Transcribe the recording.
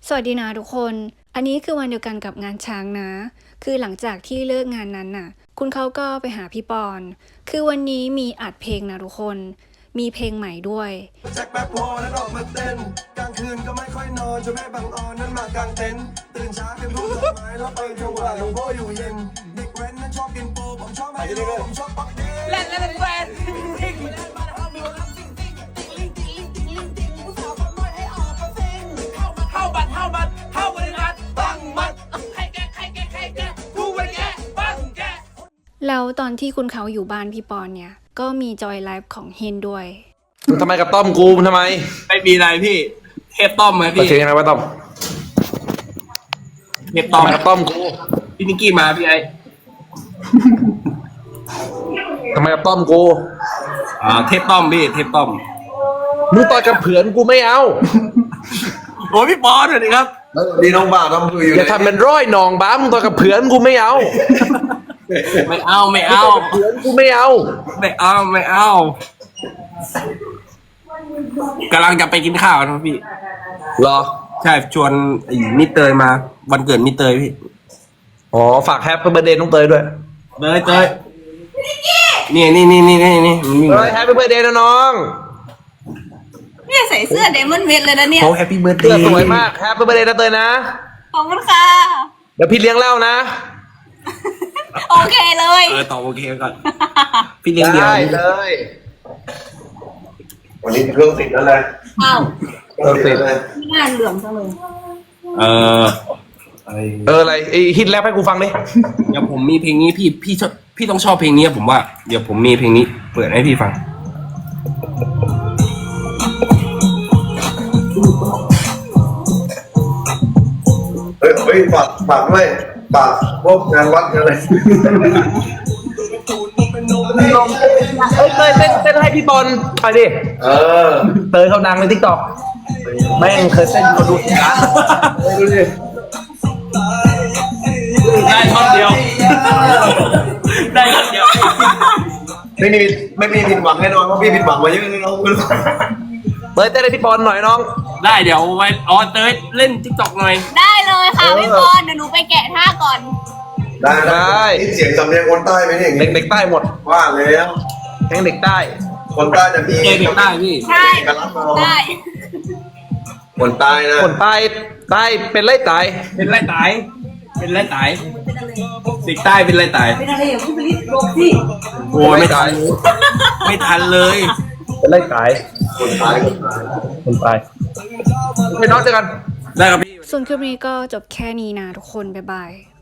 สวัสดีนะทุกคน อันนี้คือวันเดียวกันกับงานช้างนะ คือหลังจากที่เลิกงานนั้นน่ะ คุณเขาก็ไปหาพี่ปอน คือวันนี้มีอัดเพลงนะทุกคน มีเพลงใหม่ด้วยแจ็คแป๊บโพแล้วออกมาเต้นกลางคืนก็ไม่ค่อยนอนจนแม่บางออนนั้นมากางเต็นท์ตื่นเช้าเป็นผู้ดอกไม้แล้วไปถวายหลวงพ่ออยู่เย็นเด็กแว้นนั้นชอบกินโปผมชอบไฮโลผมชอบปักเด้เล่นเป็นแฟนเข้าบริการบังมัดใครแกผู้บริแกบังแกแล้วตอนที่คุณเขาอยู่บ้านพี่ปอนเนี่ย ก็มีจอยไลฟ์ของเฮนด้วยมึงทำไมกับต้อมกูมึงทำไมไม่มีอะไรพี่เทปต้อมไหมพี่เสียงยังไงวะต้อมเทปต้อมกับต้อมกูพี่นิกกี้มาพี่ไอ้ทำไมกับต้อมกูเทปต้อมพี่เทปต้อมมึงต่อยกับเผือนกูไม่เอาโอ้พี่ปอนสวัสดีครับดีน้องบ่าวทำคืออยู่อย่าทำเป็นร้อยหนองบ้ามึงต่อยกับเผือนกูไม่เอาไม่เอาเผือนกูไม่เอากำลังจะไปกินข้าวนะพี่รอใช่ชวนไอ้มิเตยมาวันเกิดมิเตยพี่อ๋อฝากแฮปปี้เบิร์ธเดย์น้องเตยด้วยเตยนี่เฮ้ยแฮปปี้เบิร์ธเดย์นะน้องเนี่ยใส่เสื้อเดมอนเวทเลยนะเนี่ยโอ้แฮปปี้เบิร์ธเดย์เสื้อสวยมากแฮปปี้เบิร์ธเดย์นะเตยนะขอบคุณค่ะเดี๋ยวพี่เลี้ยงเหล้านะโอเคเลยตอบโอเคก่อนพี่เลี้ยงเดียวได้เลยวันนี้เครื่องติดแล้วแหละอ้าวเครื่องติดงานเหลืองจังเลยอะไรไอฮิตแรปให้กูฟังดิเดี๋ยวผมมีเพลงนี้พี่ต้องชอบเพลงนี้ผมว่าเดี๋ยวผมมีเพลงนี้เปิดให้พี่ฟังเฮ้ยฝากด้วยฝากพวกงานวัดอะไรเตยเต้นให้พี่บอลไปดิเตยเขาดังในทิกตอกแม่งเคยเต้นเขาดูกันดูดิได้ท่อนเดียวไม่มีผิดหวังแน่นอนเพราะพี่ผิดหวังมาเยอะเลยน้องเตยเต้นให้พี่บอลหน่อยน้องได้เดี๋ยวไว้เตยเล่นทิกตอกหน่อยได้เลยค่ะพี่บอลเดี๋ยวหนูไปแกะท่าก่อนได้เสียงสำเนียงคนใต้ไหมเนี่ยเด็กใต้หมดว่าแล้วเพลงเด็กใต้คนใต้จะมีเด็กใต้พี่ใช่ได้คนใต้นะคนใต้เป็นไรตายเด็กใต้เป็นไรตายเด็กใต้เป็นไรตายเป็นอะไรอย่างพี่ผลิตบอกสิโอ้ไม่ทันเลยเป็นไรตายคนใต้ไปน้องเจอกันได้ครับพี่ส่วนคลิปนี้ก็จบแค่นี้นะทุกคนบ๊ายบาย